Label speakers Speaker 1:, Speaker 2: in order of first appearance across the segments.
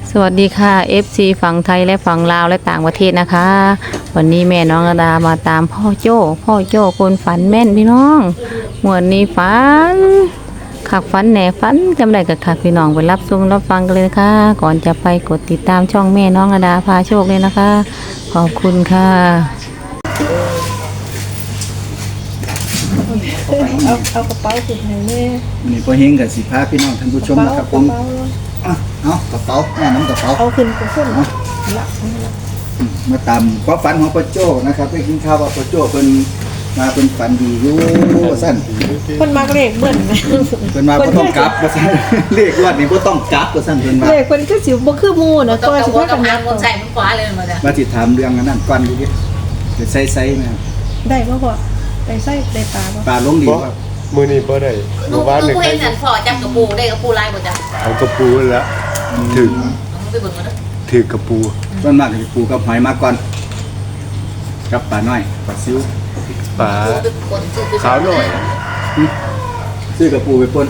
Speaker 1: สวัสดีค่ะ FC ฝั่งไทยและฝั่งลาวและต่างประเทศนะคะ วันนี้แม่น้องระดามาตามพ่อโจ้คนฝันแม่นพี่น้องหมวดนี้ฝันขักฝันแหน่ฝันจำได้กับขักพี่น้องไปรับชมรับฟังกันเลยนะคะก่อนจะไปกดติดตามช่องแม่น้องระดาพาโชคเลยนะคะขอบคุณค่ะ
Speaker 2: เอากระเป๋าขึ้นให้แม่
Speaker 3: นี่พอเฮงกับสิพาพี่น้องท่านผู้ชมนะครับผมเอากระเป๋าแม่น้ำกระเป๋า
Speaker 2: เอาขึ้นขึ้นละ
Speaker 3: มาตามความฝันของพ่อโจ้นะครับได้กินข้าวว่าพ่อโจ้เป็นมาเป็นฝันดีอยู่สั้น
Speaker 2: คนมากเลขเบิ้ล
Speaker 3: เป็นมาก็ต้องกลับว่าสั้นเลขรอดนี่ก็ต้องกลับว่าสั้นเป็นมา
Speaker 2: เลขคนก็สิบ่คือหมู่นะ
Speaker 4: ต้
Speaker 2: ก็
Speaker 4: อง
Speaker 2: สิ
Speaker 4: กระ
Speaker 2: พา
Speaker 4: โด
Speaker 2: กั
Speaker 4: ด
Speaker 2: น
Speaker 4: น้ำ
Speaker 2: ยั
Speaker 4: มันใส่มันขวาเลยมาจ้ะ
Speaker 3: มาติดถามเรื่องอันนั้นก่อนดูดิจะใส่ไหมครับ
Speaker 2: ได้บ่พ่อได้ไส้ได้ปลาบ่
Speaker 3: ปลาลงดีครับ
Speaker 5: มือนี้บ่ได้
Speaker 4: หนู
Speaker 5: เมื่อวาน
Speaker 4: หนู
Speaker 5: นี่
Speaker 4: เห็นนั่นพอจับกระปูได้กระปูลายหมดจ้ะ
Speaker 5: เอากระปูแล้วถึก
Speaker 4: ไปเบิ่งมาเด้อ
Speaker 5: ถึกกระปู
Speaker 3: ส่วนมากจะปูกับหอยมาก่อนกับปลาน้อยปลาซิว
Speaker 5: ปลา
Speaker 4: ไปกดซื้อ
Speaker 5: ขาวหน่อย
Speaker 3: ซื้อกับปูไปปน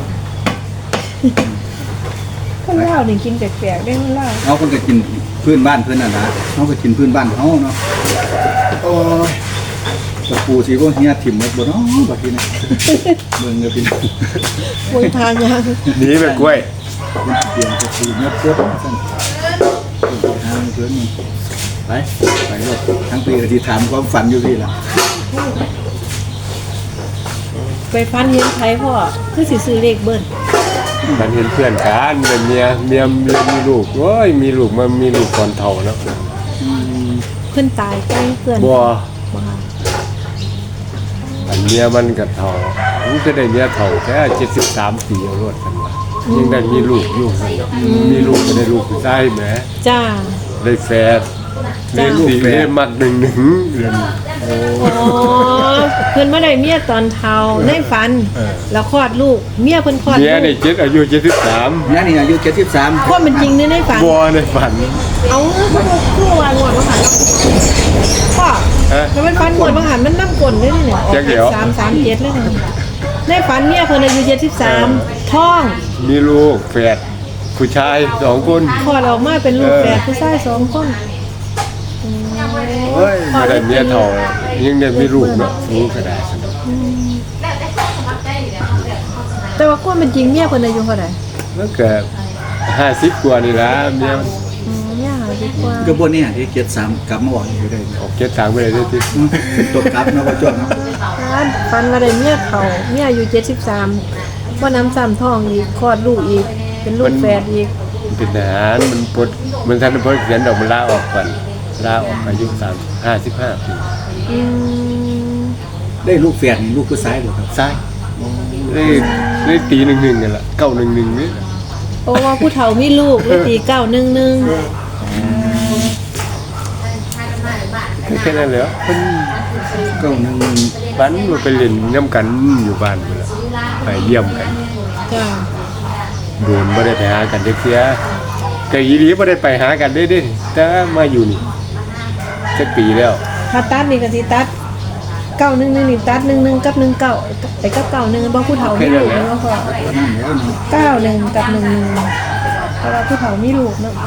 Speaker 2: คนลาวนี่กินแปลกๆได้คนลาว
Speaker 3: เขาก็จะกินพื้นบ้านเพื่อนน่ะนะเขาก็กินพื้นบ้านเขาเนาะโอ้ยกับปูสิพวกเฮียถิ่มหมดบ่เนาะบัดนี้นะเบิ่งกับพี่น้อง
Speaker 2: มวยทานยัง
Speaker 5: หนีไปกล้วย
Speaker 3: เปลี่ยนกับปูเนื้อเพื่อนสั่นทางเพื่อนนี่ไปเลยทั้งปีก็ที่ถามความฝันอยู่พี่ล่ะ
Speaker 2: ไปฟันเห็นไผพ่อคือสิซื้อเลขเบิ้ล
Speaker 5: มันเห็นเพื่อนกันเป็นเมียมีลูกโอ้ยมีลูกมันมีลูกก่อนเฒ่าแล้ว
Speaker 2: เพิ่นตายใกล้เพื่อน
Speaker 5: บ่
Speaker 2: บ่ค่ะ
Speaker 5: อันเมียมันก็เฒ่ามันจะได้เมียเฒ่าแค่73ปีเอารวดกันว่ายังได้มีลูกอยู่ซั่นเนาะมีลูกก็ได้ลูกผู้ชายแหม
Speaker 2: จ้า
Speaker 5: ได้แฝดเล่นลูกเล่นมักหนึ่งเดือน
Speaker 2: อ๋อเพิ่นมาได้เมียตอนเฒ่าในฝันแล้วคลอดลูกเมียเพิ่นคลอด
Speaker 5: เมีย
Speaker 2: ลู
Speaker 5: ได้
Speaker 2: ก
Speaker 5: อายุ73
Speaker 3: นี่นี่อายุ73
Speaker 2: ความเป็นจริงในฝัน
Speaker 5: บ่ในฝัน
Speaker 2: เอาคือวางหมดมาหันพ่อ
Speaker 5: ฮะ
Speaker 2: ถ้ามันฟันหมดมาหันมันน้ำกลนได้เนี่ย
Speaker 5: จักเดี๋ยว
Speaker 2: 337เลยเนี่ยในฝันเนี่ยเพิ่นอายุ73ท้อง
Speaker 5: มีลูกแฝดผู้ชาย2คน
Speaker 2: คลอดออกมาเป็นลูกแฝดผู้ชาย2คน
Speaker 5: เฮ้ยมาได้เมียเท่ายังได้มีลูกเนาะรู้ก็ได้สนุก
Speaker 2: แต่ว่าความเป็นจริงเมียเพิ่นอายุเท่าไหร่
Speaker 5: แล้วก็50กว่านี่ล่ะเมีย
Speaker 2: เนี่ยดีกว่า
Speaker 3: ก็บ่เนี่ยที่73กลับมาบอกอยู่ได้
Speaker 5: ออกเก็บตังค์ไปเลยได้ติ
Speaker 3: ตัวกลับเนาะบ่จวดเนาะ
Speaker 2: ฟันมาได้เมียเฒ่าเมียอายุ73บ่น้ำซ้ำท้องอีกคลอดลูกอีกเป็นลูกแฝดอีก
Speaker 5: มันเป็นทหารมันปลดมันทันพ้นเขียนดอกมันลาออกก่อนลาออกอายุ55ปี
Speaker 2: อืม
Speaker 3: ได้ลูกแฝดนี่ลูกผู้ชายบ่ครับ
Speaker 5: ซ้ายได้ตี11นั่นล่ะ911นี่
Speaker 2: โอ้ว่าผู้เฒ่ามีลูกเลยตี911
Speaker 5: แค่นั้นแหละเพิ่น
Speaker 3: ก็นึง
Speaker 5: บ้านมันไปเล่นน้ำกันอยู่บ้านพุ่นล่ะไปเยี่ยมกัน
Speaker 2: จ้า
Speaker 5: โดนบ่ได้ไปหากันเด็กเสียแต่อีหลีบ่ได้ไปหากันเด้แต่มาอยู่นี่สักปีแล้ว
Speaker 2: ถ้าตัดนี่ก็สิตัด911นี่ตัด11กับ19ไอ้กับ91บ่ผู้เฒ่ามีลูกเนาะพ่อ
Speaker 3: นั่นแล้วนี่
Speaker 2: 91กับ11เพราะว่าผู้เฒ่ามีลูกเนาะ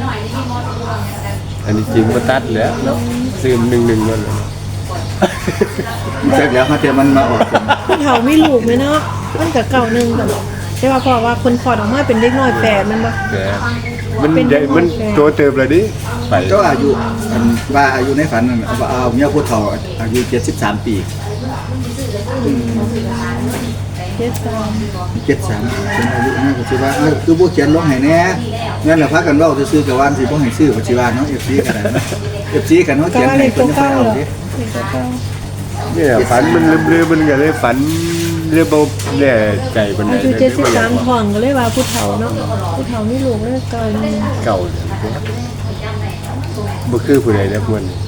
Speaker 5: อันนี้จริงบ่ตัดแล้วเนาะซื้อ11นั่นแหละ
Speaker 3: เสร็จแล้วเขาเตรียมมันมาออกกัน
Speaker 2: ผู้เฒ่ามีลูกไหมเนาะมันก็91กันแต่ว่าเพราะว่าคนคลอดออกมาเป็นเด็กน้อยแฝดมันบ่
Speaker 5: แต่มันใหญ่มันโตเติบแล้วดิไป
Speaker 3: ก็อายุอันว่าอายุในฝันนั่นเอาเมียผู้เฒ่าอายุ73 ปี
Speaker 2: เจ็ดสาม
Speaker 3: 73เป็นอายุนะก็สิว่าคือบ่เขียนลงให้แน่งั้นล่ะพากันเว้าซื่อๆกับว่าสิบ่ให้ซื้อก็สิว่าเนาะ FC ก็ได้เนาะ FC กันเนาะ
Speaker 2: ก็
Speaker 3: เขียน
Speaker 2: ว่า
Speaker 3: ให้
Speaker 2: เด็ก
Speaker 3: เพิ่
Speaker 2: ตั
Speaker 3: น
Speaker 2: ว
Speaker 3: จะไป
Speaker 2: เก่า
Speaker 3: เอา
Speaker 2: เหรอ
Speaker 3: ดิ
Speaker 2: เด็กตัวเก่า
Speaker 5: เนี่ยฝันมันลืมๆมันก็เลยฝันเรื่องบ่แน่ใจปานใด
Speaker 2: อายุ73ท้องก็เลยว่าผู้เฒ่าเนาะผู้เฒ่ามีลูกเลย91
Speaker 5: เก่าเนี่ยบ่คือผู้ใดนะพวกนี้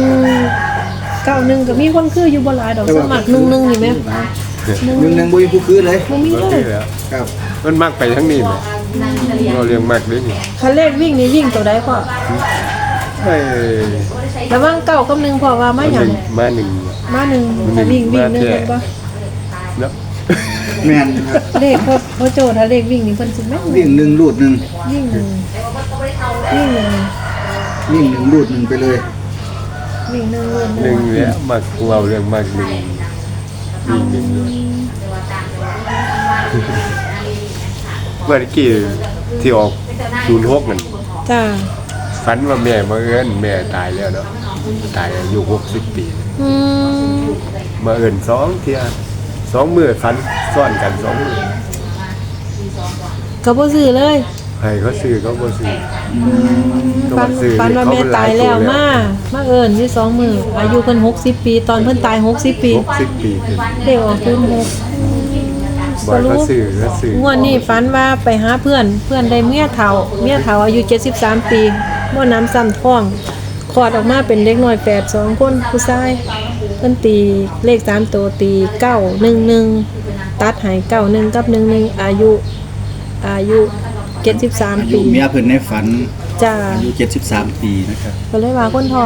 Speaker 2: 91ก็มีคนคืออยู่บ่หลายดอกสมัคร11นี่แม่
Speaker 3: 1บ่มีผู้คือเลย
Speaker 2: บ่มี
Speaker 5: บ่
Speaker 2: เล
Speaker 5: คื
Speaker 2: ย
Speaker 5: อแล้ว
Speaker 3: ครับ
Speaker 5: มันมักไปทั้งนี้แหละเราเรียงมักเลยนี่
Speaker 2: คันเลขวิ่งนี่วิ่งตัวใดพ่อ
Speaker 5: เอ้ย
Speaker 2: ระหว่างเก้ากับ1พ่อว่ามาหยัง
Speaker 5: มาหนึ่ง
Speaker 2: มา1ถ้าวิ่ง1แม่นบ่
Speaker 5: เนาะ
Speaker 3: แม่นครับ
Speaker 2: เลขพ่อโจถ้าเลขวิ่งนี่เพิ่นสิแม่น
Speaker 3: วิ่ง1ลูด1
Speaker 2: วิ่ง1 วิ่งหนึ่ง
Speaker 3: วิ่งหนึ่งรูดหนึ่งไปเลย
Speaker 2: วิ่งหนึ่ง
Speaker 5: หนึ่งเนี่ยมักเราเรื่องมากหนึ่งวิ่งหนึ่งเลยเมื่อกี้ที่ออก06นั่น
Speaker 2: จ้า
Speaker 5: ฝันว่าแม่มาเอิ้นแม่ตายแล้วเนาะตายอายุ60 ปี
Speaker 2: อืม
Speaker 5: มาเอิ้น2เที่ย2มื้อฝันซ้อนกัน2มื้อ
Speaker 2: ก็บ่ซื้อเลย
Speaker 5: ให้เขาซื้อเขาบ่ซื้อ
Speaker 2: ปันปันว่าแม่ตายแล้วมาเอิ้นที่2มื้ออายุเพิ่น60 ปี ตอนเพิ่นตาย60 ปี
Speaker 5: 60 ปีขึ้น
Speaker 2: เด็กออก06
Speaker 5: บ่เขาซื้อ
Speaker 2: งวดนี้ฝันว่าไปหาเพื่อนได้เมียเฒ่าอายุ73 ปีบ่น้ำซ้ำท้องคลอดออกมาเป็นเด็กน้อย8 2คนผู้ชายเพิ่นตีเลข3ตัวตี911ตัดให้91กับ11อายุ73
Speaker 3: อายุ
Speaker 2: ปี
Speaker 3: เมียเพิ่นในฝัน
Speaker 2: จ้า
Speaker 3: อายุ73 ปีนะครับ
Speaker 2: ก็เลยว่าคนท้อง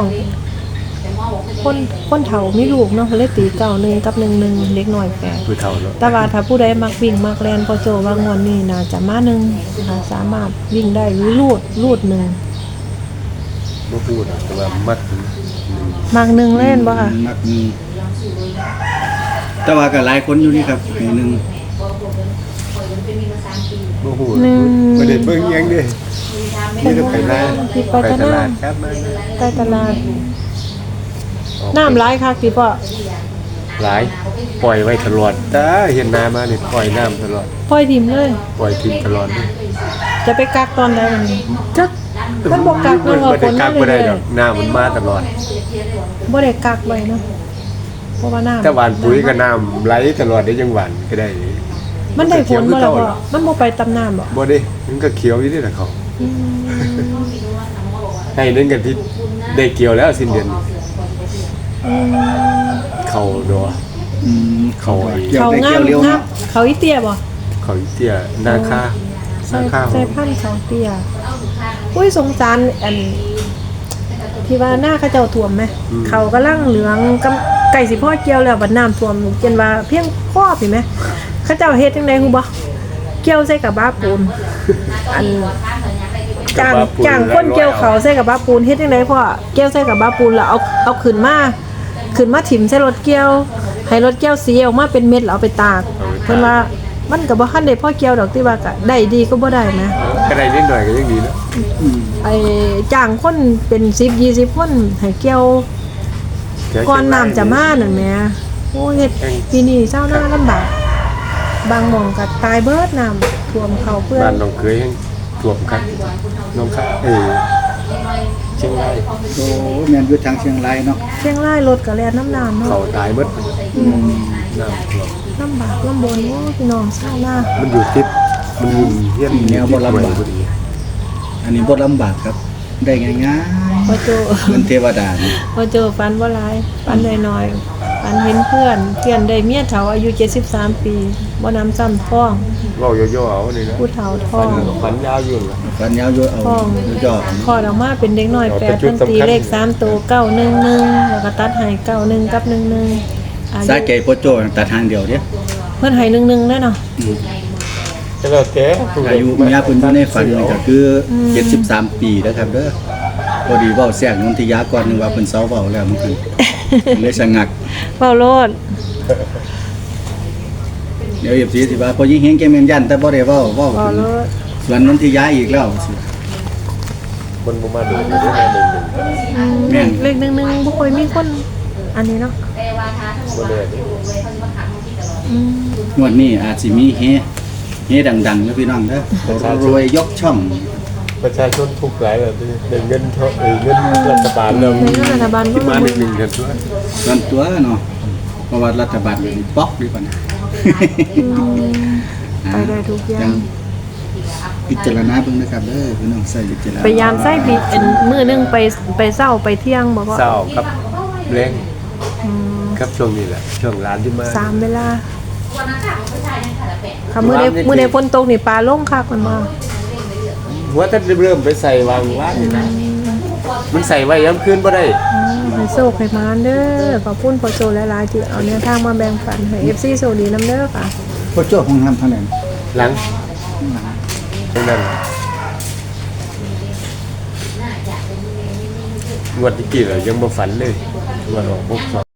Speaker 2: คนเฒ่ามีลูกเนาะก็เลยตี91กับ11เด็กน้อย8
Speaker 5: ผู้เฒ่าเนาะ
Speaker 2: แต่ว่าถ้าผู้ใดมักวิ่งมักแล่นพอโจว่างวดนี้น่าจะมาหนึ่งนะคะสามารถวิ่งได้หรือลูดหนึ่ง
Speaker 5: บ่พูดหรอกแต่ว่ามักหนึ่ง
Speaker 2: มักหนึ่งเล่นบ่ค่ะ
Speaker 3: มักหนึ่งแต่ว่าก็หลายคนอยู่นี่ครับให้หนึ่ง
Speaker 5: บ่พูดบ่ได้เบิ่งหยังเด้นี่จะไปไหนไปตลาดครับมา
Speaker 2: ใต้ตลาดน้ำร้ายคักติพ่อ
Speaker 5: หลายปล่อยไว้ตลอดตาเห็นน้ำมานี่ปล่อยน้ำตลอด
Speaker 2: ปล่อยทิมเลย
Speaker 5: ปล่อยทิ้งตลอดเลย
Speaker 2: จะไปกักตอนใดมันจักเพิ่นบ่กักเลยว่า
Speaker 5: บ่
Speaker 2: ฝ
Speaker 5: ได้
Speaker 2: น
Speaker 5: กั
Speaker 2: มาก
Speaker 5: บ่
Speaker 2: เล
Speaker 5: ได้
Speaker 2: ย
Speaker 5: ดอกน้ำมันมาตลอด
Speaker 2: บ่ได้กักไว้เนาะเพราะว่าน้ำ
Speaker 5: ถ้าหวานปุ๋ยก็น้ำไหลตลอดได้ยังหวานก็ได้
Speaker 2: มันได้ผลบ่ล่ะพ่อมันบ่ไปตำน้ำบ่
Speaker 5: บ่ได้มันก็เขียวอยู่นี่แหละเขา
Speaker 2: อืม
Speaker 5: ให้เล่นกันที่ได้เกี่ยวแล้วสิ้นเดือน
Speaker 2: อืม
Speaker 5: เขาดอ เขา
Speaker 3: เกี่ยว
Speaker 2: เขา
Speaker 3: ได้
Speaker 2: งา
Speaker 3: เกี่ย
Speaker 2: ม
Speaker 3: วเร็ว
Speaker 2: ครั
Speaker 3: เนาะ
Speaker 2: บเขาอีเตี้ยบ่
Speaker 5: เขาเตี้ยนาคา
Speaker 2: ใส่
Speaker 5: นาคา
Speaker 2: ใส่พันธุ์เขาเตี้ยอุ้ยสงสารอันที่ว่าหน้าเขาเจ้าท่วมไหมเขากำลังเหลืองกำไก่สิพ่อเกี่ยวแล้วบัดน้ำท่วมจนว่าเพียงข้อพี่ไหมเขาเจ้าเฮ็ดจังได๋ฮู้บ่เกี่ยวใส่กับบ้าปูนอันจ้างคนเกี่ยวเขาใส่กับบ้าปูนเฮ็ดจังได๋พ่อเกี่ยวใส่กับบ้าปูนแล้วเอาขึ้นมาถิ่มใส่รถเกี่ยวให้รถเกี่ยวสีออกมาเป็นเม็ดแล้วเอาไปตากเพิ่นว่ามันก็บ่ทันได้พ่อเกี่ยวดอกที่ว่าก็ได้ดีก็บ่ได้นะ
Speaker 5: ก็ได้นิดหน่อยก็ยังดีนะ
Speaker 2: ไอ้จ้างคนเป็น10-20คนให้เกี่ยวก่อนน้ำจะมานั่นแหมโอ้เฮ็ดปีนี้ชาวนาลำบากบางหม่องก็ตายเบิดน้ำท่วมเข้าเพื่อ
Speaker 5: บ้าน นน้องเคยยังท่วมคักน้องคักเชียงราย
Speaker 3: โอ้แม่นอยู่ทางเชียงรายเนาะ
Speaker 2: เชียงรายรถก็แล่นน้ำน้ำเนาะ
Speaker 5: เขาตายหมดน้ำท่วม
Speaker 2: ลำบากลำบนโอ้พี่น้องชาวนา
Speaker 5: มันอยู่ติดมันอยู่เฮียน
Speaker 3: แนวบ่ลำบาก
Speaker 5: พอดี
Speaker 3: อันนี้บ่ลำบากครับ ได้ง่าย
Speaker 2: พอโจ
Speaker 3: ๆเหมือนเทวดานี่
Speaker 2: พอโจฝันบ่หลายฝันน้อยๆฝันเห็นเพื่อนได้เมียเฒ่าอายุ73 ปีบ่น้ำซ้ำท้อง
Speaker 5: เว้าย่อๆเอานี่นะ
Speaker 2: ผู้เฒ่าท้อง
Speaker 5: ฝันยาวอยู่ล่ะ
Speaker 3: ฟันยาวอยู่เอา
Speaker 2: ท้อง
Speaker 3: ย่อ
Speaker 2: คลอดออกมาเป็นเด็กน้อย
Speaker 5: เอา
Speaker 2: แป
Speaker 5: แต่
Speaker 2: ด
Speaker 5: จุด
Speaker 2: เพิ่นตี
Speaker 5: สำคัญ
Speaker 2: เลข3ตัว911แล้วก็ตัดให้91กับ11อา
Speaker 3: สา
Speaker 2: ยุ
Speaker 3: แก่พ่อโจตัดทางเดียวเด้
Speaker 2: เพิ่นให้11ได้เนาะ
Speaker 5: ก็แล้วแต่
Speaker 3: อายุเมียเพิ่นอยู่ในฝันนี่ก็คือ73 ปีนะครับเด้อพอดีเว้าแทรกนนทิยาก่อนนึงว่าเพิ่นเซาเว้าแล้วมันคือเลยสงัก
Speaker 2: เว้าโลด
Speaker 3: เดี๋ยวFCสิว่าพอยิงเฮงแกแม่นยันแต่บ่ได้เว้า
Speaker 2: เว้า
Speaker 3: ถึง
Speaker 2: โลด
Speaker 3: ส่วนนนทิยาอีกแล้วสิ
Speaker 5: คนบ่มาดูได้มาหนึ่ง
Speaker 3: แม่น
Speaker 2: เลข11บ่ค่อยมีคนอันนี้เนาะ
Speaker 5: บ่แน่ดิ
Speaker 2: อืม
Speaker 3: งวดนี้อาจสิมีเฮดังๆนะพี่น้องเด้อรวยยกช่อง
Speaker 5: ประชาชนทุกข์หลายแล้วได้เงินเท่าเงินรัฐบาลแล้ว
Speaker 2: ในเรื่องรัฐบาล
Speaker 5: ที่มาหนึ่งกันด้วย
Speaker 3: ส่วนตัวเนาะเพราะว่ารัฐบาลเป็นป๊อกดีกว่านะ
Speaker 2: ไปได้ทุกอย่า
Speaker 3: ยัง งพิจารณาเบิ่งนะครับเด้อพี่น้องใส่พิจารณา
Speaker 2: พยายามใส่ปีมื้อนึงไปเช้าไปเที่ยงบ่ก็
Speaker 5: เศร้ากับแรง
Speaker 2: อืม
Speaker 5: ครับช่วงนี้แหละช่วงร้านที่มา
Speaker 2: 3เวลาค่ะมื้อใดฝนตกนี่ปลาลงคักมันบ่
Speaker 5: หัวถ้าเริ่มไปใส่วางว่างนี่นะมันใส่ไว้ย้ำคืนบ่ได้
Speaker 2: ให้โชคให้มานเด้อขอบคุณพ่อโจหลายๆที่เอาแนวทางมาแบ่งปันให้ FC โชคดีนํเด้อค่ะ
Speaker 3: พ่อโจ้ห้องน้ำเท่านั้น
Speaker 5: หลังตรงนั้นงวดที่กี่เรายังบ่ฝันเลยงวดออกพวก